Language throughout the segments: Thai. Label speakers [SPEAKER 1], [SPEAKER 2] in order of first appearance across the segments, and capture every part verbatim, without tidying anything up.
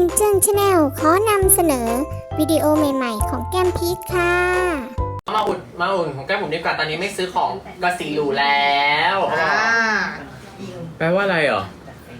[SPEAKER 1] นเจิ้งชาแนลขอนำเสนอวิดีโอใหม่ๆของแก้มพีชค่ะ
[SPEAKER 2] มาอุ่นมาอุ่นของแก้มผมดีกว่าตอนนี้ไม่ซื้อของกระสีหรูแล้ว
[SPEAKER 3] แปลว่าอะไรเหรอ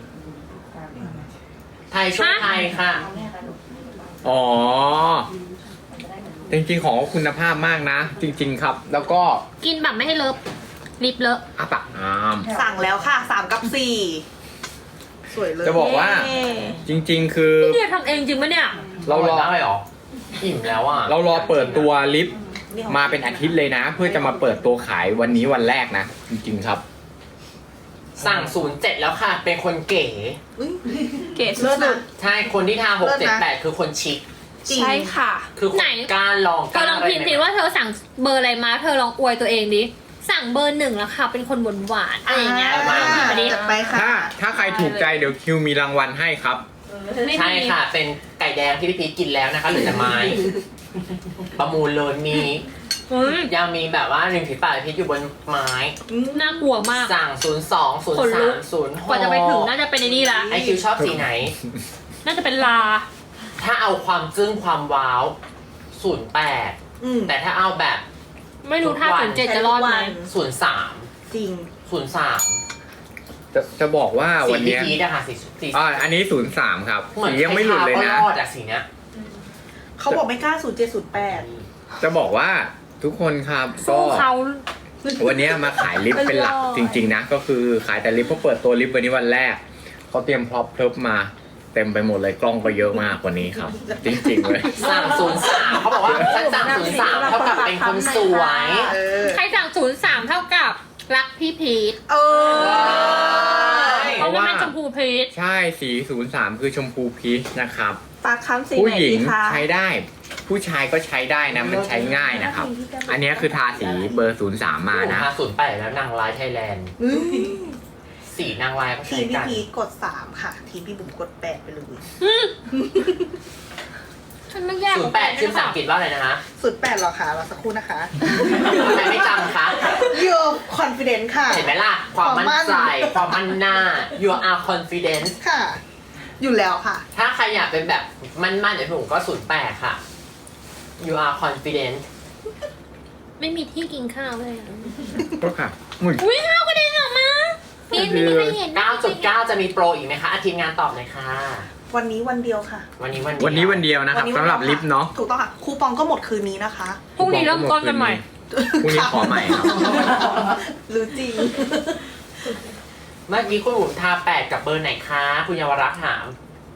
[SPEAKER 2] ไทยช่วยไทยค่ะ
[SPEAKER 3] อ๋อจริงๆของคุณภาพมากนะจริงๆครับแล้วก็
[SPEAKER 4] กินแบบไม่ให้เลอะลิปเลอะ
[SPEAKER 3] อ่ะปะอาม
[SPEAKER 5] สั่งแล้วค่ะสามกับสี่สวยเลย
[SPEAKER 3] จะบอกว่าจริงๆคือ
[SPEAKER 4] พี่เนี่ยทำเองจริงปะเนี่ย
[SPEAKER 3] เรารอ
[SPEAKER 2] ได้หรออิ่มแล้วอ่ะ
[SPEAKER 3] เรารอเปิดตัวลิปมาเป็นอาทิตย์เลยนะเพื่อจะมาเปิดตัวขายวันนี้วันแรกนะจริงๆครับ
[SPEAKER 2] สั่งศูนย์เจ็ดแล้วค่ะเป็นคนเก๋
[SPEAKER 5] เก๋สุด
[SPEAKER 2] ใช่คนที่ทาหกเจ็ดแปดคือคนชิค
[SPEAKER 5] ใช่ค่ะ
[SPEAKER 2] คือคนกล้าลอง
[SPEAKER 4] เธอลองพิมพ์สิว่าเธอสั่งเบอร์อะไรมาเธอลองอวยตัวเองดิสั่งเบอร์หนึ่งแล้วค่ะเป็นคนหวานหวานอะไรอย่างเงี้ย
[SPEAKER 5] มาไปค่ะ
[SPEAKER 3] ถ้าถ้าใครถูกใจเดี๋ยวคิวมีรางวัลให้ครับ
[SPEAKER 2] ใช่ค่ะเป็นไก่แดงที่พี่พีชกินแล้วนะคะเหลือแต่ไม้ประมูลเลยมียังมีแบบว่าริมฝีปากพีชอยู่บนไม้
[SPEAKER 4] น่ากลัวมาก
[SPEAKER 2] สั่งศูนย์สองศูนย์สามศูนย์หก
[SPEAKER 4] กว่าจะไปถึงน่าจะเป็นในนี่ละ
[SPEAKER 2] ไอคิวชอบสีไหน
[SPEAKER 4] น่าจะเป็นลา
[SPEAKER 2] ถ้าเอาความจึ้งความว้าวศูนย์แปดแต่ถ้าเอาแบบ
[SPEAKER 4] ไม่รู้ถ้าศูนย์เจ็ดจะรอดไหม
[SPEAKER 2] ศูนย์สาม
[SPEAKER 5] จริง
[SPEAKER 2] ศูนย์สาม
[SPEAKER 3] จะจะบอกว่าวันนี้
[SPEAKER 2] สีพีชนะคะสีสี
[SPEAKER 3] อ่าอันนี้ศูนย์สามครับสียังไม่หลุดเลยนะ
[SPEAKER 2] รอดอะสีเนี้ย
[SPEAKER 5] เขาบอกไม่กล้าศูนย์เจ็ดศูนย์แปด
[SPEAKER 3] จะบอกว่าทุกคนครับก็วันนี้มาขายลิปเป็นหลักจริงๆนะก็คือขายแต่ลิปเพราะเปิดตัวลิปวันนี้วันแรกเขาเตรียมพร็อพเพิบมาเต็มไปหมดเลยกล้องก็เยอะมากกว่านี้ครับจริงๆเลย
[SPEAKER 2] สั่งศูนย์สามเขาบอกว่าฉันสั่งศูนย์สามเท่ากับเป็นคนสวย
[SPEAKER 4] ใครสั่งศูนย์สามเท่ากับรักพี่พีช
[SPEAKER 5] เออ
[SPEAKER 4] เพราะว่าเป็นชมพูพีช
[SPEAKER 3] ใช่สีศูนย์สามคือชมพูพีชนะครับ
[SPEAKER 5] ปากค้ำสี
[SPEAKER 3] ผู้หญิงใช้ได้ผู้ชายก็ใช้ได้นะมันใช้ง่ายนะครับอันนี้คือทาสีเบอร์ศูนย์สามมานะ
[SPEAKER 2] ทาศูนย์แปดแล้วนางร้ายไทยแลนด์สีนางร้ายก็ใช้กัน
[SPEAKER 5] ทีพี่พีกดสามค่ะทีพี่บุ๋มกดแปดไปเลย
[SPEAKER 4] ฉันไม่แยก
[SPEAKER 2] ศูนย์แปดชื่อภาษาอังกฤษว่าอะไรนะคะ
[SPEAKER 5] ศูนย์แปดหรอคะรอสักครู่นะคะ
[SPEAKER 2] ทำไมไม่จำคะ
[SPEAKER 5] you confident ค่ะ
[SPEAKER 2] เห็นไหมล่ะความมั่นใจความมั่นหน้า you are confident
[SPEAKER 5] ค่ะอยู่แล้วค่ะ
[SPEAKER 2] ถ้าใครอยากเป็นแบบมั่นๆเดี๋ยวผมก็ศูนย์แปดค่ะ you are confident
[SPEAKER 4] ไม่มีที่กินข้าวเลย
[SPEAKER 3] ก็ค่ะ
[SPEAKER 4] อุ้ยข้าวกระเด็นออกมาพี่ไม่มีใครเห็น
[SPEAKER 2] เก้าจุดเก้า จะมีโปรอีกไหมคะอาทีมงานตอบเลยค่ะ
[SPEAKER 5] วันนี้วันเดียวค่ะ
[SPEAKER 2] วันนี้วัน
[SPEAKER 3] วันนี้วันเดียวนะครับสำหรับลิฟต์เนาะ
[SPEAKER 5] ถูกต้องค่ะคูปองก็หมดคืนนี้นะคะ
[SPEAKER 4] พรุ่งนี้เริ่มต้นกันใหม่
[SPEAKER 3] พรุ่งนี้ขอใหม่ครับ
[SPEAKER 5] รู้จริง
[SPEAKER 2] เมื่อกี้คุณบุ๋มทาแปดกับเบอร์ไหนคะคุณเยาวรักษ์ถาม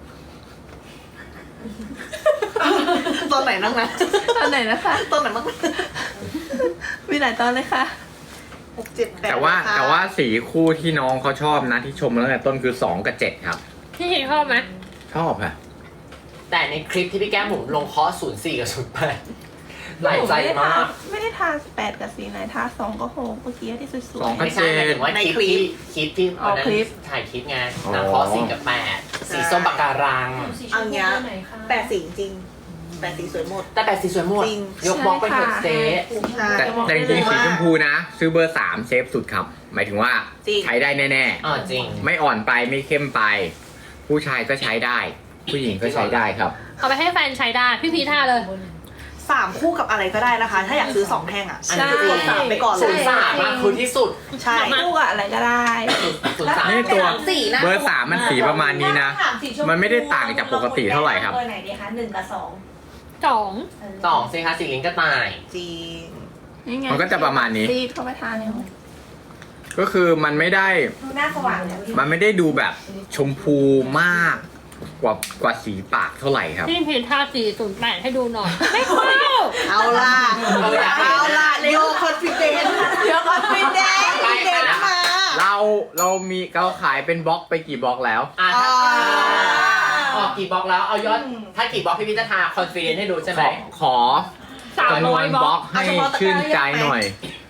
[SPEAKER 5] ตอนไหนนั่งนะ
[SPEAKER 6] ตอนไหนนะคะ
[SPEAKER 5] ตอนไหนบ้าง
[SPEAKER 6] มีหลายตอนเลยค่ะ
[SPEAKER 5] หกเจ็ดแปด
[SPEAKER 3] แต่ว่าแต่ว่าสีคู่ที่น้องเขาชอบนะที่ชมแล้วแต่ต้นคือสองกับเจ็ดครับ
[SPEAKER 4] พี่ชอบไหม
[SPEAKER 3] ชอบค่ะ
[SPEAKER 2] แต่ในคลิปที่พี่แก้มผมลงคอร์สศูนย์สี่กับศูนย์แปดหลายใจมาก
[SPEAKER 6] ไม่ได้ทาแปดกับสีไหนทาสองก็โหเมื่อกี้ที่สวยๆ
[SPEAKER 3] สองกับ
[SPEAKER 2] เจ็ดถึงว่าในคลิปคลิปที่วันนั้นถ่ายคลิปไงนางคอร์สสี่กับแปดสีส้มปากการัง
[SPEAKER 5] เอาเงี้ยแปดสีจริงแปดสีสวยหมด
[SPEAKER 2] แต่แปดสีสวยหมดยกบล็อกไปเถอะเจ๊
[SPEAKER 3] แต่แต่จริงๆสีชมพูนะซื้อเบอร์สามเซฟสุดครับหมายถึงว่าใช้ได้แน่
[SPEAKER 2] ๆอ๋อจริง
[SPEAKER 3] ไม่อ่อนไปไม่เข้มไปผู้ชายก็ใช้ได้ผู้หญิงก็ใช้ได้ครับ
[SPEAKER 4] เอาไปให้แฟนใช้ได้พี่พีท่าเลย
[SPEAKER 5] สามคู่กับอะไรก็ได้นะคะถ้าอยากซื้อสองแท่งอ่ะอันนี้กดสามไปก่อน
[SPEAKER 2] ศูนย์สามมาคือที่สุด
[SPEAKER 5] ใช่
[SPEAKER 6] คู่กับอะไรก็ได้
[SPEAKER 2] ศูนย์สาม
[SPEAKER 3] นี่ตัวเบอร์สามมันสีประมาณนี้นะมันไม่ได้ต่างจากปกติเท่าไหร่ครับ
[SPEAKER 6] เบอร์ไหนดีคะหนึ่งกับสอง
[SPEAKER 4] สอง
[SPEAKER 2] สองสิคะสีลิ้นกระต่าย
[SPEAKER 5] จริ
[SPEAKER 3] งมันก็จะประมาณนี้
[SPEAKER 6] ซีดเข้าไปทานเลย
[SPEAKER 3] ก็คือมันไม่ได้
[SPEAKER 6] หน้าสว่าง
[SPEAKER 3] มันไม่ได้ดูแบบชมพูมากกว่ากว่าสีปากเท่าไหร่ครับ
[SPEAKER 4] พี่พีทาสีศูนย์แปดให้ดูหน่อยไม่เข้า
[SPEAKER 5] เอาล่ะเอาล่ะโยคอนฟิเดนโยคอนฟิเดนเด่นมา
[SPEAKER 3] เราเรามีเราขายเป็นบล็อกไปกี่บล็อกแล้ว
[SPEAKER 2] อ่าออกกี่บล็อกแล้วเอายอดถ้ากี่บล็อกพี่พิจารณาคอนฟิเดนให้ดูใช่ไหม
[SPEAKER 3] ขอจำนวนบล็อกให้ชื่นใจหน่อย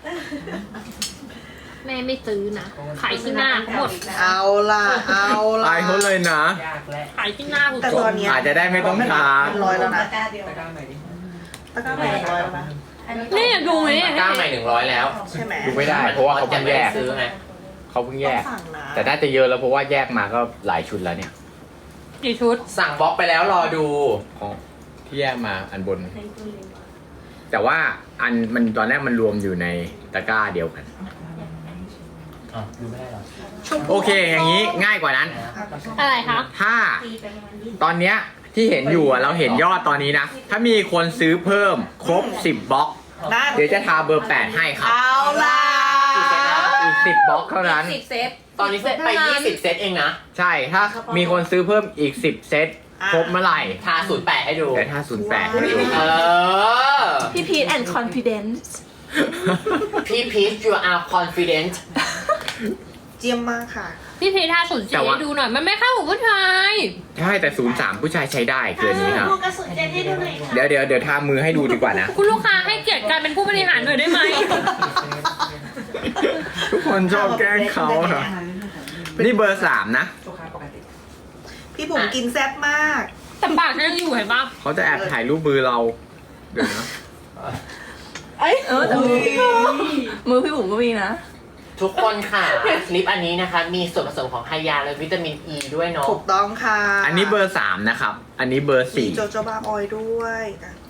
[SPEAKER 4] แม่ไม่ซื้อนะขายที่หน้าหมด
[SPEAKER 5] เอาล่ะเอาล่ะ
[SPEAKER 3] ตายเขาเลยนะ
[SPEAKER 4] ขายที่หน้า
[SPEAKER 5] แต่ตอนนี้
[SPEAKER 3] อาจจะได้ไม่ต้องทา
[SPEAKER 5] ร้อยแล้วนะ
[SPEAKER 6] ตะกร้าเดียว
[SPEAKER 5] ตะกร้าใหม่ดิตะกร้าใหม่ร้อยแล้วนะ
[SPEAKER 4] นี่ดูไหม
[SPEAKER 2] ตะกร้าใหม่หนึ่งร้อยแล้ว
[SPEAKER 5] ใช่ไหม
[SPEAKER 3] ดูไม่ได้เพราะว่าเขาเพิ่งแยก
[SPEAKER 2] ซื้อไง
[SPEAKER 3] เขาเพิ่งแยกแต่น่าจะเยอะแล้วเพราะว่าแยกมาก็หลายชุดแล้วเนี่ย
[SPEAKER 4] กี่ชุด
[SPEAKER 2] สั่งบล็อกไปแล้วรอดู
[SPEAKER 3] ของที่แยกมาอันบน แต่ว่าอันมันตอนแรกมันรวมอยู่ในตะกร้าเดียวกัน
[SPEAKER 2] อ๋อดูไม่ได้หรอ
[SPEAKER 3] โอเค อย่างนี้ง่ายกว่านั้น
[SPEAKER 4] อะไรคะ
[SPEAKER 3] ถ้าตอนเนี้ยที่เห็นอยู่อะเราเห็นยอดตอนนี้นะ ถ้ามีคนซื้อเพิ่มครบสิบบล็อก
[SPEAKER 5] นั่น
[SPEAKER 3] เดี๋ยวจะทาเบอร์แปดให้ครับ
[SPEAKER 5] เอาล่ะ
[SPEAKER 3] อีกสิบบล็อกเท่านั้น
[SPEAKER 4] สิบเซต
[SPEAKER 2] ตอนนี้เซตไปยี่สิบเซตเองนะ
[SPEAKER 3] ใช่ ถ้ามีคนซื้อเพิ่มอีกสิบเซตครบเมื่อไหร่
[SPEAKER 2] ทาศูนย์แปดให้ดู
[SPEAKER 3] แต่ถ้าศูนย์แปดให้ดู
[SPEAKER 2] เออ
[SPEAKER 6] พี่พีทแอนด์คอนฟิเดนซ์
[SPEAKER 2] พี่พีช you are confident
[SPEAKER 5] เจียมมากค่ะ
[SPEAKER 4] พี่พีท่าศูนย์
[SPEAKER 3] แต่
[SPEAKER 4] สี่
[SPEAKER 3] ว่า
[SPEAKER 4] ดูหน่อย มันไม่เข้ากับผู้ชาย
[SPEAKER 3] ใช่แต่ศูนย์สามผู้ชายใช้ได้เกินนี้ครับ เดี๋ยวเดี๋ยวเดี๋ยวทามือให้ดูดีกว่านะ
[SPEAKER 4] คุณลูกค้าให้เกียรติการเป็นผู้บริหารหน่อยได้ไหม
[SPEAKER 3] ทุกคนชอบแกล้งเขาครับนี่เบอร์สามนะ
[SPEAKER 5] พี่บุ๋มกินแซ่บมาก
[SPEAKER 4] แต่ปากฉันยังอยู่เห็นปะ
[SPEAKER 3] เขาจะแอบถ่ายรูปมือเรา เดี๋ยวนะ
[SPEAKER 6] เอ้ยเออแต่มือมือพี่บุ๋มก็มีนะ
[SPEAKER 2] ทุกคนค่ะลิปอันนี้นะคะ มีส่วนผสมของไฮยาและวิตามินอ e ีด้วยเนาะ
[SPEAKER 5] ถูกต้องค่ะ
[SPEAKER 3] อันนี้เบอร์สามนะครับ อันนี้เบอร์
[SPEAKER 5] มี
[SPEAKER 3] สี่
[SPEAKER 5] โจโจบาออยล์ด้วยอ่ะ